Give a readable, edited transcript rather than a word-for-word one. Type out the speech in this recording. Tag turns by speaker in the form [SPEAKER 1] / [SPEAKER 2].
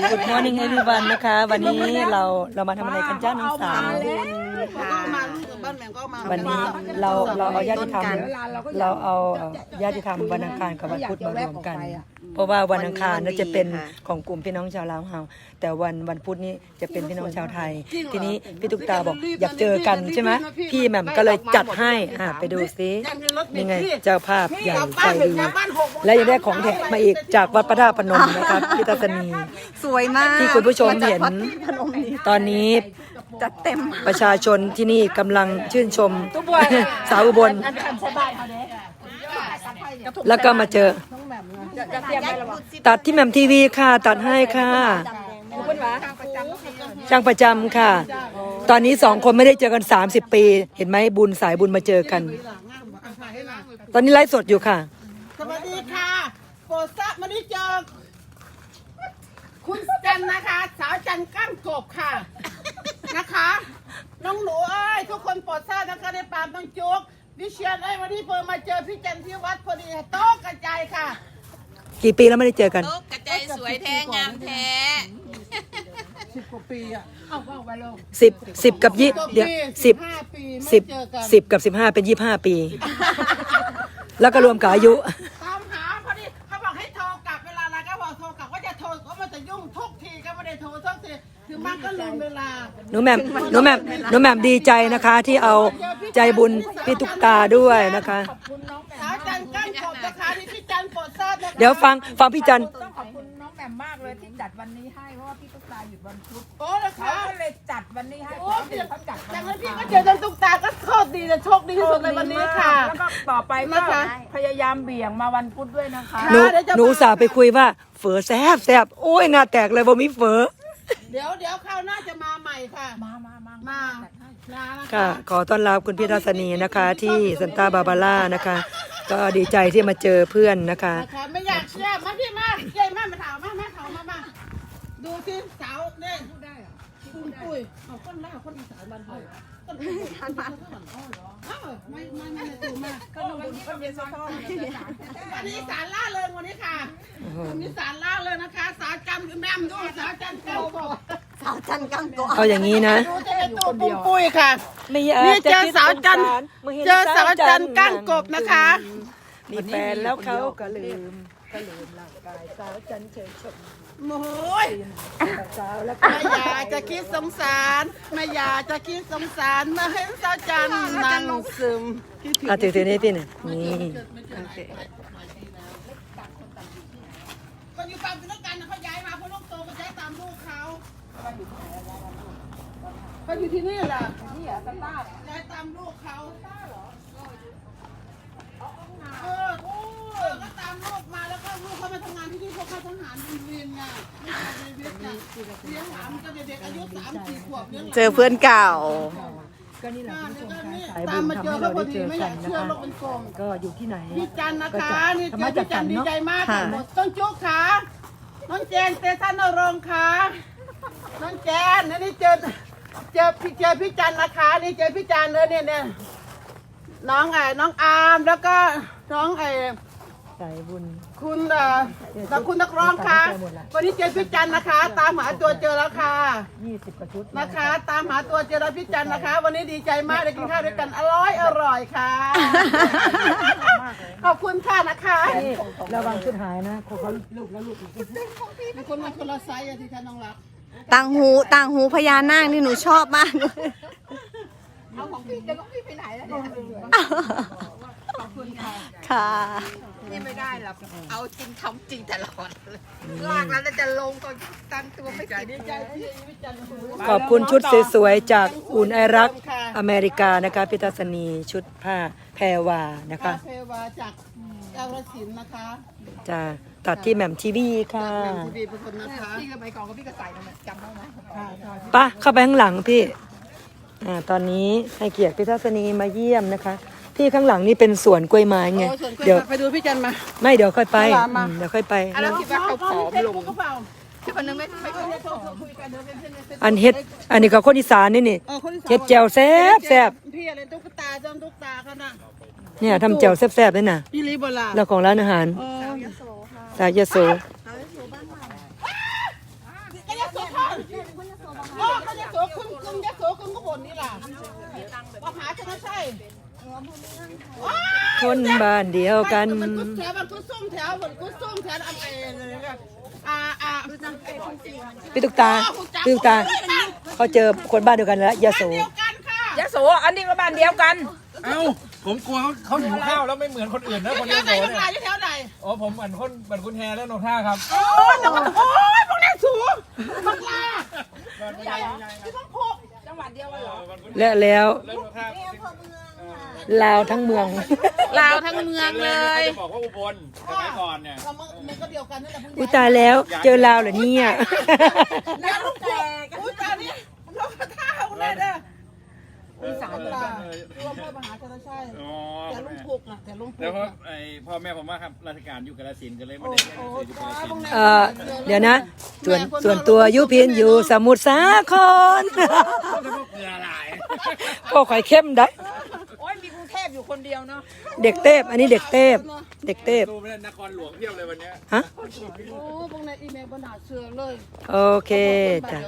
[SPEAKER 1] Good morning everyone นะคะวันนี้เรามาทำอะไรกันจ้าน้องสาววันนี้เราเอาญาติธรรมเราเอาญาติธรรมวันอังคารกับวันพุธมารวมกันเพราะว่าวันอังคารน่าจะเป็นของกลุ่มพี่น้องชาวลาวเฮาแต่วันพุธนี้จะเป็นพี่น้องชาวไทยทีนี้พี่ตุ๊กตาบอกอยากเจอกันใช่ไหมพี่แหม่มก็เลยจัดให้ไปดูซินี่ไงเจ้าภาพใหญ่ใจดีและยังได้ของแถมมาอีกจากวัดพระธาตุพนมนะครับพี่ทัศนี
[SPEAKER 2] สวยมาก
[SPEAKER 1] ที่คุณผู้ชมเห็นตอนนี้
[SPEAKER 2] จัดเต็ม
[SPEAKER 1] ประชาชนที่นี่กำลังชื่นชมสาวอุบลแล้วก็มาเจอตัดที่แหม่มทีวีค่ะตัดให้ค่ะช่างประจำค่ะตอนนี้2คนไม่ได้เจอกัน30 ปีเห็นไหมบุญสายบุญมาเจอกันตอนนี้ไลฟ์สดอยู่ค่ะ
[SPEAKER 3] สวัสดีค่ะโปรดทราบมาได้เจอคุณจันนะคะสาวจันก้านกบค่ะนะคะน้องหนูเอ้ยทุกคนโปรดทราบนะคะในปามต้องจุกวิเชียนวันนี้เพิ่งมาเจอพี่จันที่วัดพอดีโต๊ะกระจายค่ะ
[SPEAKER 1] กี่ปีแล้วไม่ได้เจอกัน
[SPEAKER 4] โต๊ะกระจายสวยแท้งามแท้
[SPEAKER 3] 10 กว่าปีอ่ะเอาไปลง
[SPEAKER 1] 10กับ20เดี๋ยว10กับ15เป็น25 ปีแล้วก็รวมกับอายุ
[SPEAKER 3] ตามหาพอดีเขาบอกให้โทรกลับเวลาอะไรก็บอกโทรกลับว่าจะโทรก็มันจะยุ่งทุกทีก็ไม่ได้โทรทุกทีถึงมันก็ลืมเวลา
[SPEAKER 1] หนูแหม่มดีใจนะคะที่เอาใจบุญพี่ตุ๊กตาด้วยนะคะ
[SPEAKER 3] สาวจันก้านกบนะคะที่พี่จันโปรดทราบนะคะ
[SPEAKER 1] เดี๋ยวฟังพี่จัน
[SPEAKER 2] ต้องขอบคุณน้องแหม่มมากเลยที่จัดวันนี้ให้เพราะว่าพี่ตุ๊กตาหยุดวันพุธ
[SPEAKER 3] โอ้แล้วเขา
[SPEAKER 2] ก็เลยจัดวันนี้ให้
[SPEAKER 3] โอ้เดี๋ยวเขาจัดจากนั้นพี่ก็เจอจันตุ๊กตาก็โชคดีจะโชคดีที่สุดในวันนี้ค่ะ
[SPEAKER 2] แล้วก็ต่อไปก็พยายามเบี่ยงมาวันพุธด้วยนะคะ
[SPEAKER 1] หนูสาวไปคุยว่าเฝอแซ่บโอ้ยหน้าแตกเลยบ่มีเฝอ
[SPEAKER 3] เดี๋ยวคราวหน้าจะมาใหม่ค่ะมา
[SPEAKER 1] ค่ะขอต้อนรับคุณพี่ทัศนีนะคะที่ซันตาบาบาร่านะคะก็ดีใจที่มาเจอเพื่อนนะคะ
[SPEAKER 3] ไม่อยากเชื่อมาพี่มาเย้มาถามมาดูสิสาวเนี่ยพูดได้เหรอคุณปุ้ยเอาคนล่าคนอีสานบ้านเฮาคนอีสานบ้านไม่ตูมาก
[SPEAKER 2] ขนมบุญคนเยซูพ่อ
[SPEAKER 3] วันนี้สารล่าเริงวันนี้ค่ะวันนี้สารล่าเริงนะคะสาวจันแม่มด้วยสาวจันก้านกบ
[SPEAKER 2] สาวจันก้านกบ
[SPEAKER 1] เอาอย่างนี้นะ
[SPEAKER 3] จะเป็นตัวปุ้ยค่ะนี่เจอสาวจันก้านกบนะคะ
[SPEAKER 1] มีแฟนแล้วเขาก็ลืมร่างกายสาวจันเฉยชม
[SPEAKER 3] โอ้ยไม่อยากจะคิดสงสารไม่อยากจะคิดสงสารมาเห็นสาวจันนั่งซึม
[SPEAKER 1] ถือนี่พี่นี่
[SPEAKER 3] คนอยู่ฝั่งเป็นนักการเขาย้ายมาเพราะลูกโตก็ย้ายตามลูกเขาเขาอยู่ที่นี่แหละนี่เหรอสตาร์ย้ายตามลูกเขาก็ตามลูกมาแล้วก็ลูกเขามาทำงานที่นี่พวกเขาทหารเรียนไงไม่ใช่ในเวียดนามเลี้ยงหลานก็เด็กอายุ3-4 ขวบเลี้ยง
[SPEAKER 2] เจอเพื่อนเก่า
[SPEAKER 1] ก็นี่แหละคุณผู้ชมค่ะสาย
[SPEAKER 3] ตา
[SPEAKER 1] บุ
[SPEAKER 3] ม
[SPEAKER 1] ญ
[SPEAKER 3] มา
[SPEAKER 1] ทำ
[SPEAKER 3] เจอ
[SPEAKER 1] ให้
[SPEAKER 3] เขา
[SPEAKER 1] เรา
[SPEAKER 3] พอ
[SPEAKER 1] ได้เจ
[SPEAKER 3] ดี
[SPEAKER 1] อ
[SPEAKER 3] ไม่อ
[SPEAKER 1] กั
[SPEAKER 3] ยาน ก
[SPEAKER 1] นะ
[SPEAKER 3] เชื่อ
[SPEAKER 1] คะ
[SPEAKER 3] โลกเป็นกลม
[SPEAKER 1] ก็อยู่ที่ไหน
[SPEAKER 3] พี่จันนะคะนี่เจอพี่จันดีใจมากค่ะต้นจุกขาน้องแจนเตชันนรงค์ค่ะน้องแจนนี่เจอพี่จันนะคะนี่เจอพี่จันเลยเนี่ยน้องอาร์มแล้วก็น้อง
[SPEAKER 1] สายบุญ
[SPEAKER 3] คุณนักร้องค่ะวันนี้เจอพี่จันนะคะตามหาตัวเจอแล้วค่ะ
[SPEAKER 1] 20 กว่าชุด
[SPEAKER 3] นะคะตามหาตัวเจอแล้วพี่จันนะคะวันนี้ดีใจมากได้กินข้าวด้วยกันอร่อยค่ะขอบคุณค่ะนะคะ
[SPEAKER 1] ระวังชุดหายนะเขาลูก
[SPEAKER 3] มีคนมาคนละไซส์ที่ท่านน้องรัก
[SPEAKER 2] ต่างหูพญานาคนี่หนูชอบมาก
[SPEAKER 3] เอาของพี่จะต้องพี่ไปไหนแล้วเนี่ยขอบคุณค่ะ
[SPEAKER 2] ค่ะ
[SPEAKER 4] นี่ไม่ได้หรอกเอาจริงทำจริงตลอดลากแล้วจะลงตอนตั้งตัวไม่ใจดีใจ
[SPEAKER 1] ขอบคุณชุดสวยๆจากอุ่นไอรักอเมริกานะคะพิทัศนีชุดผ้าแพรวานะคะ
[SPEAKER 3] แพรวาจากเยาวศิลป์นะคะ
[SPEAKER 1] จะตัดที่แหม่มทีวีค่ะ
[SPEAKER 3] ทีวีเป็นคนนะคะ
[SPEAKER 4] พี่ก็ไปกองกับพี่ก็ใส่มาจำได้ไหม
[SPEAKER 1] ป่ะเข้าไปข้างหลังพี่ตอนนี้ให้เกียรติพิทัศนีมาเยี่ยมนะคะที่ข้างหลังนี่เป็นสวนกล้วยไม้ไง
[SPEAKER 3] เดี๋ยวไปดูพี่จันมา
[SPEAKER 1] ไม่เดี๋ยวค่อยไปเดี๋ยวค่อยไป
[SPEAKER 3] แล้วคิดว่าเขาผอมลง
[SPEAKER 4] ที่คนนึงไม่
[SPEAKER 1] อันเฮ็ดอันนี้ก็คนอีสานนี่เฮ็ดแจ่วแซ่บ
[SPEAKER 3] พี่อะไรตุ๊กตาจอมตุ๊กตาเขาน่ะ
[SPEAKER 1] เนี่ยทำแจ่วแซ่บๆด้วยนะ
[SPEAKER 3] พี่ลีโบราณ
[SPEAKER 1] แล้วของร้านอาหารสายยโส
[SPEAKER 3] อ๋อเขาจะโสคุณจะโสคุณก็บนนี่ล่ะมหาชนใช่
[SPEAKER 1] คนบ้านเดียวกัน
[SPEAKER 3] มันกุศแถวมันกุศส้มแถวมันกุศส้มแถวเลยค่ะ
[SPEAKER 1] พี่ตุ๊กตาเขาเจอคนบ้านเดียวกันแล้วยาโส
[SPEAKER 3] เดียวกันค่ะ
[SPEAKER 2] ยะโสอันนี้ก็บ้านเดียวกัน
[SPEAKER 5] เอ้าผมกลัวเขาหิวข้าวแล้วไม่เหมือนคนอื่นนะคน
[SPEAKER 3] แถ
[SPEAKER 5] เดียว ว
[SPEAKER 3] ไหน
[SPEAKER 5] โส
[SPEAKER 3] ทั้งหลา
[SPEAKER 5] เนี่ย
[SPEAKER 3] ยแถวไหน
[SPEAKER 5] อ๋อผมเหมือนคุณแฮและนกท่าครับ
[SPEAKER 3] โอ้ยพวกนี้สูงบักลาที่ต้องพก
[SPEAKER 2] จังหวัดเดียวกันเหรอ
[SPEAKER 1] และแล้ว
[SPEAKER 5] แล้วนกท่า
[SPEAKER 1] ลาวทั้งเมือง
[SPEAKER 4] ลาวทั้งเมืองเลย
[SPEAKER 5] จะบอกว่าอุบลสมัยก่อนเนี่ย
[SPEAKER 3] มันก็เดียวกันนั่นแหละ
[SPEAKER 1] อุ้ยตายแล้วเจอลาวเหรอเนี่ย
[SPEAKER 3] แล้วลูกแก่อุ้ยตานี้ลูกท่าของเลยเด้ออีสานตารวมพ่อมหาชนชัย
[SPEAKER 5] อ๋อ
[SPEAKER 3] แต่ลุงพุกนะแต่ลุงพุก
[SPEAKER 5] แล้วพ่อแม่ผมว่าครับราชการอยู่กาฬสินธุ์กันเลยไม่ได้เรียนหนังสืออยู่กาฬสินธุ์
[SPEAKER 1] เดี๋ยวนะ ส่วนตัวยุพินอยู่สมุทรสาคร
[SPEAKER 5] แล้วพวกเกลือหลาย
[SPEAKER 1] พ่อข่อยเข้มได้
[SPEAKER 2] โอ้ยมีกรุงเทพอยู่คนเดียวเนาะ
[SPEAKER 1] เด็กเทพอันนี้เด็กเทพเด็กเทพ
[SPEAKER 5] ดูไม่ได้นครหลวงเพียบเลยวันเนี้ย
[SPEAKER 1] ฮะ
[SPEAKER 3] โอ้พวกในอีเมลบรรดาเสือเลย
[SPEAKER 1] โอเคจ้ะ